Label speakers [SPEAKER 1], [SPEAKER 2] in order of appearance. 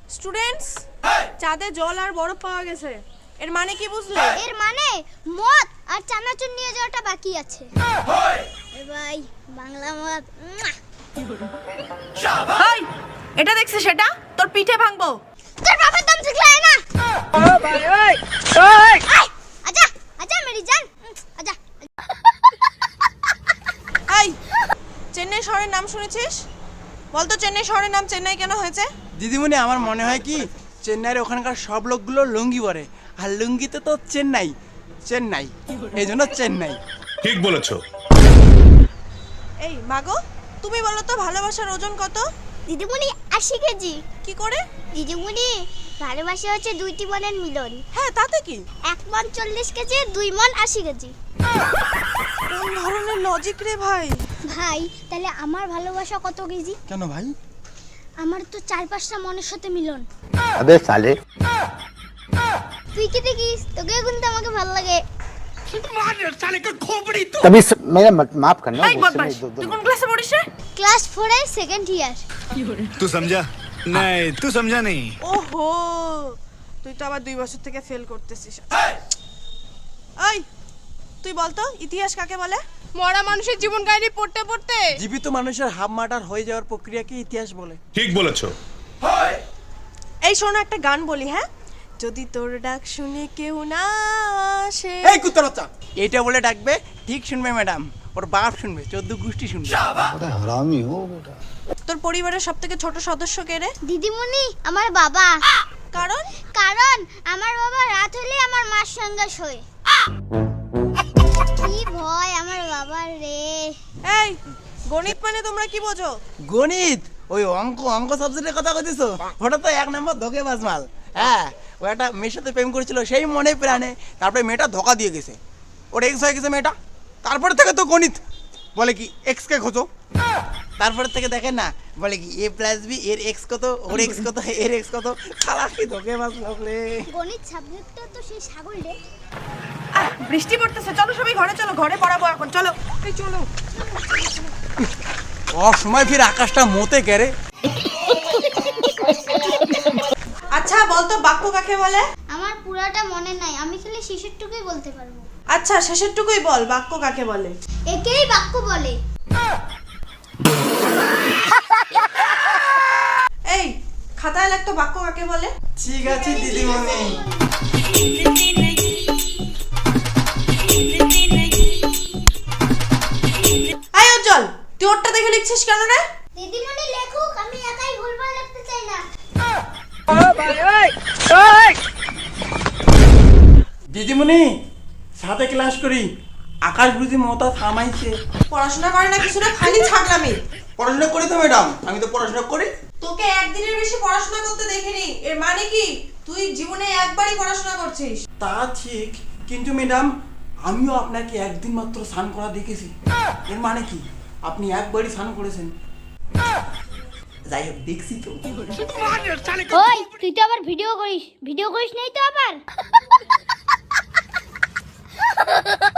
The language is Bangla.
[SPEAKER 1] স্টুডেন্টস, চাঁদে জল আর বরফ পাওয়া গেছে। এর মানে কি বুঝলে?
[SPEAKER 2] এর মানে মদ আর চানাচুর নিয়ে যাওয়াটা বাকি আছে। এ ভাই বাংলা মদ।
[SPEAKER 1] হাই, এটা দেখছিস? সেটা তোর পিঠে ভাঙবো।
[SPEAKER 2] তোর বাবার দম শিখলাই না।
[SPEAKER 1] ও ভাই ওই ওই
[SPEAKER 2] আজা আজা মেরি জান আজা।
[SPEAKER 1] এই, চেন্নাই শহরের নাম শুনেছিস? বলতো চেন্নাই শহরের নাম চেন্নাই কেন হয়েছে?
[SPEAKER 3] দিদিমণি, আমার মনে হয় কি চেন্নাইয়ের ওখানকার সব লোকগুলো লুঙ্গি পরে, আর লুঙ্গিতে তো চেন্নাই চেন্নাই, এই জন্য চেন্নাই।
[SPEAKER 4] ঠিক বলেছো।
[SPEAKER 1] এই মাগো, তুমি বলো তো ভালোবাসার ওজন কত?
[SPEAKER 2] দিদিমণি 80 কেজি।
[SPEAKER 1] কি করে?
[SPEAKER 2] দিদিমণি ভালোবাসা হচ্ছে দুইটি মনের মিলন।
[SPEAKER 1] হ্যাঁ, তাতে কি?
[SPEAKER 2] 1 মন 40 কেজি, 2 মন 80 কেজি।
[SPEAKER 1] কোন ধরনের লজিক রে ভাই?
[SPEAKER 2] ভাই তাহলে আমার ভালোবাসা কত কেজি?
[SPEAKER 3] কেন ভাই?
[SPEAKER 2] আমার তো 4-5টা মনের সাথে মিলন।
[SPEAKER 5] अबे साले
[SPEAKER 2] তুই কি দেখিস? তোকে কিন্তু আমাকে ভালো লাগে।
[SPEAKER 5] तभी मेरा माफ करना
[SPEAKER 1] এই বদমাশ, তুই কোন ক্লাসে পড়িস রে?
[SPEAKER 2] ক্লাস 4 এর সেকেন্ড ইয়ার।
[SPEAKER 6] तू समझा नहीं, तू समझा नहीं।
[SPEAKER 1] ওহো, তুই তো আবার 2 বছর থেকে ফেল করতেছিস। এই, তুই বলতো ইতিহাস কাকে বলে? মরা মানুষের জীবন কাহিনী পড়তে পড়তে
[SPEAKER 3] জীবিত মানুষের হাফ মার্টার হয়ে যাওয়ার প্রক্রিয়াকে ইতিহাস বলে।
[SPEAKER 4] ঠিক বলেছো।
[SPEAKER 1] এই শোনো, একটা গান বলি, হ্যাঁ? যদি তোর ডাক শুনে কেউ না আসে।
[SPEAKER 3] এই কুত্তার বাচ্চা, এইটা বলে ডাকবে, ঠিক শুনবে ম্যাডাম, ওর বাপ শুনবে, 14 গোষ্ঠী শুনবে।
[SPEAKER 5] बड़ा हरामी हो बेटा।
[SPEAKER 1] তোর পরিবারের সবথেকে ছোট সদস্য কে রে?
[SPEAKER 2] দিদিমণি আমার বাবা।
[SPEAKER 1] কারণ
[SPEAKER 2] কারণ আমার বাবা রাত হলে আমার মার সঙ্গে শোয়। কি ভয় আমার বাবার রে।
[SPEAKER 1] এই, গণিত মানে তোমরা কি বোঝো?
[SPEAKER 3] গণিত? ওই অঙ্ক অঙ্ক সাবজেক্টের কথা কইতেছো? ওটা তো 1 নম্বর ধোঁকেবাজ মাল। হ্যাঁ, ও একটা মেয়ের সাথে প্রেম করেছিল সেই মনে প্রাণে, তারপরে মেয়েটা ধোঁকা দিয়ে গেছে, ওর এক্স হয়ে গেছে মেয়েটা। তারপরে থেকে তো গণিত বলে কি এক্স কে খোঁজো, তারপরে থেকে দেখেন না, বলে কি a + b এর এক্স কত, ওর এক্স কত, এর এক্স কত। শালা কি ধোঁকেবাজ লোক রে।
[SPEAKER 2] গণিত সাবজেক্টটা তো সেই ছাগল রে।
[SPEAKER 1] বৃষ্টি পড়তেছে, চলো সবাই ঘরে চলো, ঘরে পড়াবো এখন, চলো। এই চলো।
[SPEAKER 3] সময় ফির আকাশটা মতে গেরে।
[SPEAKER 1] আচ্ছা বলতো বাক্য কাকে বলে?
[SPEAKER 2] আমার পুরাটা মনে নাই, আমি খালি শেষেরটুকুই বলতে পারবো।
[SPEAKER 1] আচ্ছা শেষেরটুকুই বল, বাক্য কাকে বলে?
[SPEAKER 2] একেই বাক্য বলে।
[SPEAKER 1] এই, খাতায় লিখতো বাক্য কাকে বলে?
[SPEAKER 3] ঠিক আছে দিদিমণি।
[SPEAKER 1] এই উজ্জ্বল, তুই ওরটা দেখে লিখছিস কেন রে?
[SPEAKER 2] দিদিমণি লেখুক, আমি একাই ভুলভাল লিখতে চাই না।
[SPEAKER 3] দিদিমণি সাথে ক্লাস করি, আকাশ বুঝি মমতা থামাইছে।
[SPEAKER 1] পড়াশোনা করে না কিছু না, খালি ছাগলামি।
[SPEAKER 3] পড়াশোনা করি তো ম্যাডাম, আমি তো পড়াশোনা করি।
[SPEAKER 1] তোকে একদিনের বেশি পড়াশোনা করতে দেখিনি, এর মানে কি তুই জীবনে একবারই পড়াশোনা করছিস?
[SPEAKER 3] তা ঠিক, কিন্তু ম্যাডাম আমিও আপনাকে একদিন মাত্র স্নান করা দেখেছি। এর মানে কি আপনি একবারই স্নান করেছেন? যাই হোক, দেখছি তো।
[SPEAKER 2] ওই তুই তো আবার ভিডিও করিস নেই তো আবার?